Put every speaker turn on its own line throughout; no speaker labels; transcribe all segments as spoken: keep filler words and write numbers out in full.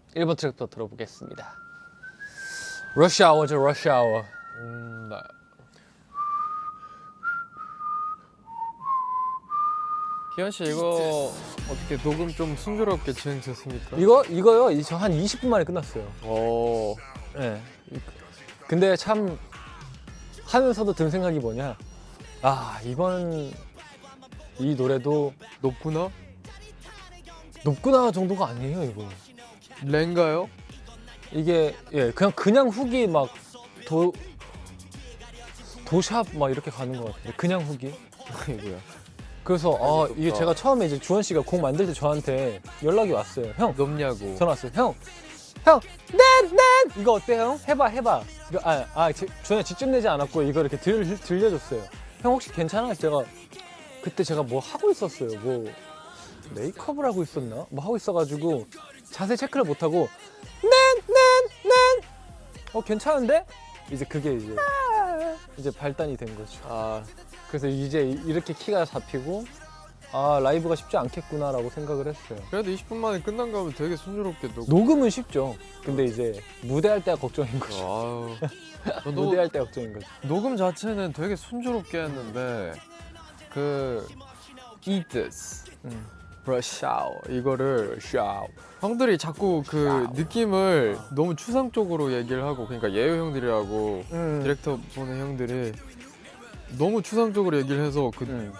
일 번 트랙부터 들어보겠습니다. 러시아워죠, 러시아워.
음, 나 기현 씨 이거 어떻게 녹음 좀 순조롭게 진행됐습니까?
이거 이거요. 이 저 한 이십 분 만에 끝났어요.
오,
네. 근데 참 하면서도 든 생각이 뭐냐? 아 이번 이 노래도
높구나?
높구나 정도가 아니에요 이거.
렌가요?
이게 예 그냥 그냥 훅이 막 도 도샵 막 이렇게 가는 것 같은데 그냥 훅이.
이거야.
그래서 아
높다.
이게 제가 처음에 이제 주원 씨가 곡 만들 때 저한테 연락이 왔어요. 형
높냐고.
전화 왔어요. 형, 형, 넷, 넷 이거 어때 형? 해봐, 해봐. 이거 아, 아 주원이 직접 내지 않았고 이거 이렇게 들 들려줬어요. 형 혹시 괜찮아? 제가 그때 제가 뭐 하고 있었어요. 뭐 메이크업을 하고 있었나? 뭐 하고 있어가지고 자세 체크를 못 하고 넷, 넷, 넷. 어 괜찮은데? 이제 그게 이제 이제 발단이 된 거죠.
아,
그래서 이제 이렇게 키가 잡히고 아 라이브가 쉽지 않겠구나라고 생각을 했어요.
그래도 이십 분 만에 끝난 거면 되게 순조롭게 녹음.
녹음은 쉽죠. 근데 이제 무대할 때가 걱정인 거죠.
아유. 저도
무대할 때 걱정인 거죠.
녹음 자체는 되게 순조롭게 했는데 그 Eat This,
음.
Brush Out 이거를
샤우.
형들이 자꾸 그
샤워.
느낌을 너무 추상적으로 얘기를 하고, 그러니까 예효 형들이라고
음.
디렉터 보는 형들이 너무 추상적으로 얘기를 해서 그
음.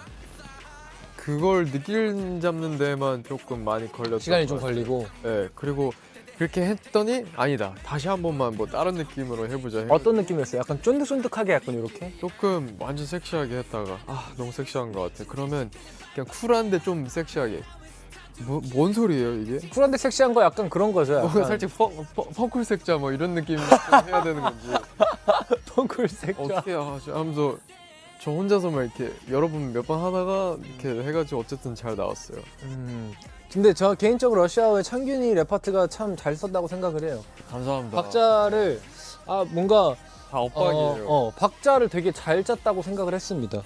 그걸 느낄 잡는 데만 조금 많이 걸렸던
시간이 좀
것 같아요.
걸리고
네, 그리고 그렇게 했더니 아니다, 다시 한 번만 뭐 다른 느낌으로 해보자 해.
어떤 느낌이었어요? 약간 쫀득쫀득하게 약간 이렇게?
조금 완전 섹시하게 했다가 아 너무 섹시한 것 같아. 그러면 그냥 쿨한데 좀 섹시하게. 뭐, 뭔 소리예요 이게?
쿨한데 섹시한 거 약간 그런 거죠.
뭐
약간
살짝 펑, 펑, 펑쿨 색자 뭐 이런 느낌 좀 해야 되는 건지
펑쿨 색조.
어떻게 하지 하면서 저 혼자서만 이렇게 여러 번 몇 번 하다가 이렇게 해가지고 어쨌든 잘 나왔어요.
음. 근데 저 개인적으로 러시아어의 창균이 랩 파트가 참 잘 썼다고 생각을 해요.
감사합니다.
박자를 아 뭔가
다 엇박이에요.
어, 어, 박자를 되게 잘 짰다고 생각을 했습니다.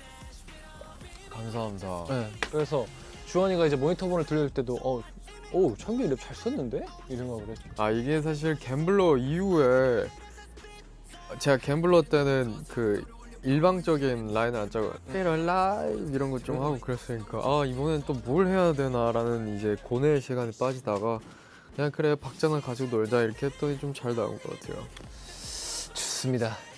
감사합니다.
네. 그래서 주원이가 이제 모니터본을 들려줄 때도 어, 오 창균이 랩 잘 썼는데? 이 생각을 했죠.
아 이게 사실 갬블러 이후에 제가 갬블러 때는 그 일방적인 라인을 안 짜고 Feel Alive 이런 거 좀 하고 그랬으니까 아 이번엔 또 뭘 해야 되나라는 이제 고뇌의 시간에 빠지다가 그냥 그래 박자나 가지고 놀자 이렇게 했더니 좀 잘 나온 것 같아요.
좋습니다.